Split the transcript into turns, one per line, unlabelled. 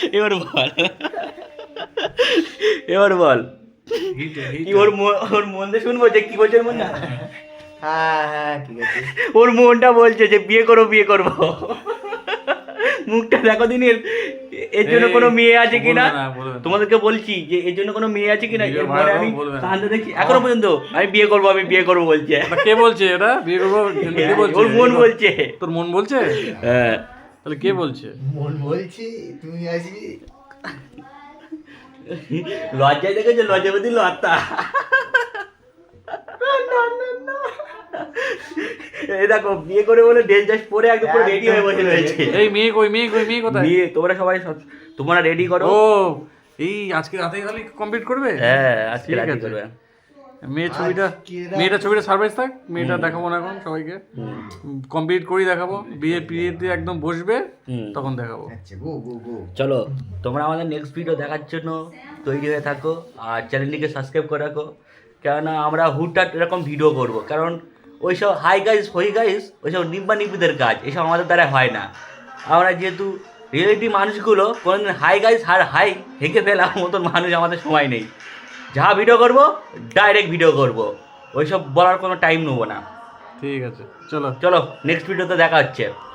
এবার বল, এবার বল কি ওর ওর মন দিয়ে শুনবো যে কি বলছে ওর মন না?
হ্যাঁ হ্যাঁ ঠিক আছে।
ওর মনটা বলছে যে বিয়ে করবো বিয়ে করবো। মুখটা দেখো দিন এর জন্য কোনো মেয়ে আছে কিনা, তোমাদেরকে বলছি যে এর জন্য কোনো মেয়ে আছে কিনা। এর পরে আমি কান্দে দেখছি এখনো পর্যন্ত আমি বিয়ে করবো বলছে।
কে বলছে এটা বিয়ে করবো? কে বলছে?
ওর মন বলছে।
তোর মন বলছে?
হ্যাঁ
তাহলে কে বলছে?
মন বলছি তুমি আসবি।
লজ্জায় দেখেছো, লজ্জাপতি লতা। এই দেখো বিয়ে করে বলে ড্রেস জাস্ট পরে একদম পুরো রেডি হয়ে বসে রয়েছে।
এই মেয়ে কই, মেয়ে কই, মেয়ে কোথায়?
বিয়ে তোমরা সবাই তোমরা রেডি করো।
ও এই আজকে রাতে তাহলে কমপ্লিট করবে?
হ্যাঁ আজকে
ঠিক
রাতে
আছে।
করবে।
মেয়েটা ছবিটা সারপ্রাইজ থাক, মেয়েটা দেখাবো না এখন সবাইকে, কমপ্লিট করি দেখাবো, বিয়েতে একদম বসবে তখন দেখাবো।
আচ্ছা গো গো গো।
চলো তোমরা আমাদের নেক্সট ভিডিও দেখার জন্য তৈরি হয়ে থাকো আর চ্যানেলটিকে সাবস্ক্রাইব করে রাখো, কেননা আমরা হুটহাট এরকম ভিডিও করব, কারণ ওইসব হাই গাইস ওইসব নিব্বা নিব্বিদের কাজ, এসব আমাদের দ্বারা হয় না। আমরা যেহেতু রিয়েলিটি মানুষগুলো কোনোদিন হাই গাইস আর হাই হেঁকে ফেলার মতন মানুষ আমাদের সময় নেই। যা ভিডিও করব ডাইরেক্ট ভিডিও করব, ওইসব বলার কোনো টাইম নেবো না।
ঠিক আছে চলো।
চলো নেক্সট ভিডিওতে দেখা হচ্ছে।